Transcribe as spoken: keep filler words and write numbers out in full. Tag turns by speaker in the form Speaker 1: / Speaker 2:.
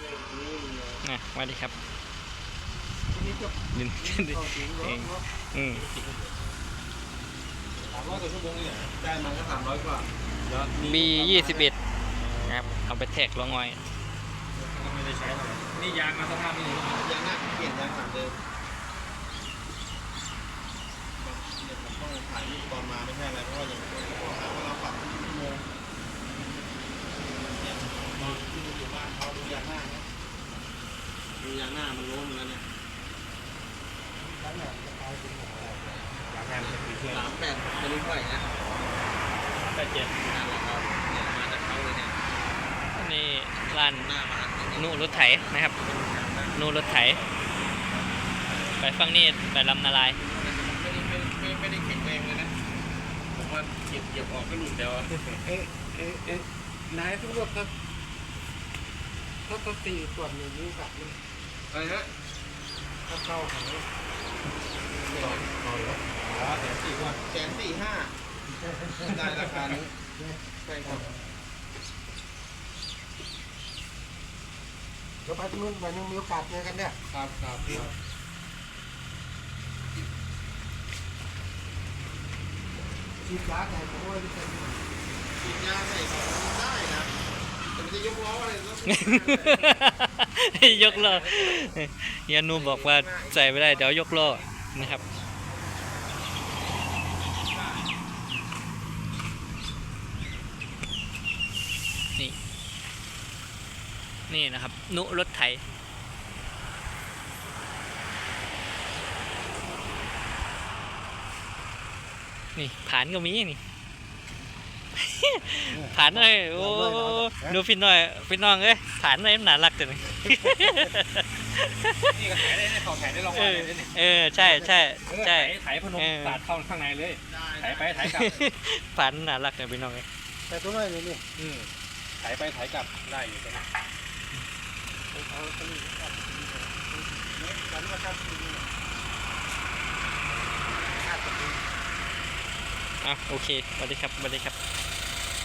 Speaker 1: นะสวัสดีครับ
Speaker 2: นี่จบ
Speaker 1: ดิน
Speaker 2: ต่อถึงรถรถ
Speaker 1: อืม
Speaker 2: สามร้อยกว่าชั่วโมงนี่ได้มาก็สามร้อยกว่า
Speaker 1: บียี่สิบเอ็ดนะครับเอาไปแท็กลงอ้อย
Speaker 2: ก็ไม่ได้ใช้เท่าไหร่นี่ยางมาสภาพนี้ยางหน้าเปลี่ยนยางหลังเดิมเนี่ยผมต้องถ่ายรูปตอนมาไม่ใช่อะไรเพราะว่าอย่างที่บอกหาว่าเราปรับชั่วโมงเนี่ยตอนที่อยู่บ้านเขาดูยางหน้านะดูยางหน้ามันล้มแล้วเนี่ยยางหน้ามันจะปีเท่าสามแปดไม่รู้เท่าไหร่นะแปดเจ็ดนั่นแหละครับเนี่ยมาจากเขาเลยเนี่ย
Speaker 1: นี่ร้าน
Speaker 2: หน้ามา
Speaker 1: นูรถไถนะครับ นูรถไถไปฟังนี่ไปลำนาลาย
Speaker 2: ไม่ได้ไม่ไม่ไม่ได้แข็งแรงเลยนะผมว่าเก็บเก็บออกก็หลุดเดียวอะ
Speaker 3: เอ๊ะเอ๊ะเอ๊ะนายทุกรถถ้าถ้าถ้าตีส่วนอย่างนี้กับมัน
Speaker 2: อะไรฮะ
Speaker 3: ถ้าเข้าของ
Speaker 2: ต่อต่อรถอ๋อแสนสี่ว่าแสนสี่ห้าได้ราคานี้ใช่ครับ
Speaker 3: เดี๋ยวไปที่นู่นไปนึงมีโอกาสเจอกันเนี่ย
Speaker 2: ครับครับครับ
Speaker 3: ฉีดยาแต่ผมว่าจะเป็น
Speaker 2: ฉีดยาใส่ของได้นะแต่มันจะยกล้ออะไรแล้ว
Speaker 1: ยกล้อเฮียนูบอกว่าใส่ไม่ได้เดี๋ยวยกล้อนะครับนี่นี่นะครับนุรถไถนี่ผานก็มีนี่ ผานเลยโอ้ดูพี่น้อยพี่น้องเอ้ยผานเลยหนารักจังเลย
Speaker 2: นี่ก็ถ่ายได้เนี่ยเขาถ่ายได้ลอง
Speaker 1: เอ
Speaker 2: ว่า
Speaker 1: อ
Speaker 2: เลยเนี่ย
Speaker 1: เออใช่ใช่ใช่
Speaker 2: ถ่ายพนมสาดเข้าข้างในเลยถ่ายไปถ่ายกลับ
Speaker 1: ผานหนารักเนี่ยพี่น้องเอ้ย
Speaker 3: แต่ตัวน้อยนี่นี่
Speaker 2: อืมถ่ายไปถ่ายกลับได้อยู่ตรงนี้
Speaker 3: เอาตัวนี้ครับกันว่าครับ
Speaker 1: อ่ะโอเคสวัสดีครับสวัสดีครับ